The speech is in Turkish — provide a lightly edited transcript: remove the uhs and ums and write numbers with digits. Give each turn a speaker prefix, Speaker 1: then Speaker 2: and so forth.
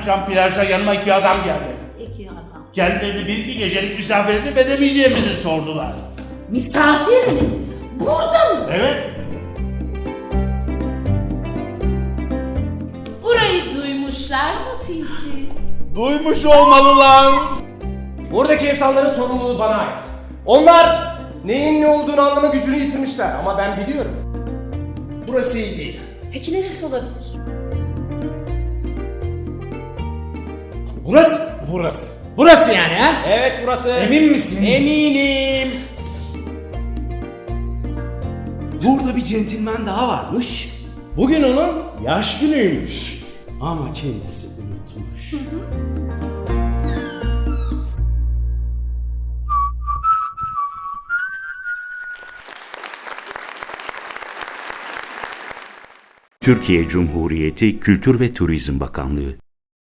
Speaker 1: akşam plajda yanıma 2 adam geldi.
Speaker 2: 2 adam.
Speaker 1: Kendilerini 1-2 gecelik misafir edip edemeyeceğimizi sordular.
Speaker 2: Misafir mi? Burada mı?
Speaker 1: Evet.
Speaker 2: Burayı duymuşlar mı Piti?
Speaker 1: Duymuş olmalılar.
Speaker 3: Buradaki insanların sorumluluğu bana ait. Onlar neyin ne olduğunu anlama gücünü yitirmişler ama ben biliyorum. Burası iyi değil.
Speaker 2: Peki neresi olabilir?
Speaker 3: Burası.
Speaker 4: Burası yani ha?
Speaker 3: Evet burası.
Speaker 4: Emin misin?
Speaker 3: Eminim.
Speaker 4: Burada bir centilmen daha varmış. Bugün onun yaş günüymüş. Ama kendisi unutmuş.
Speaker 5: Türkiye Cumhuriyeti Kültür ve Turizm Bakanlığı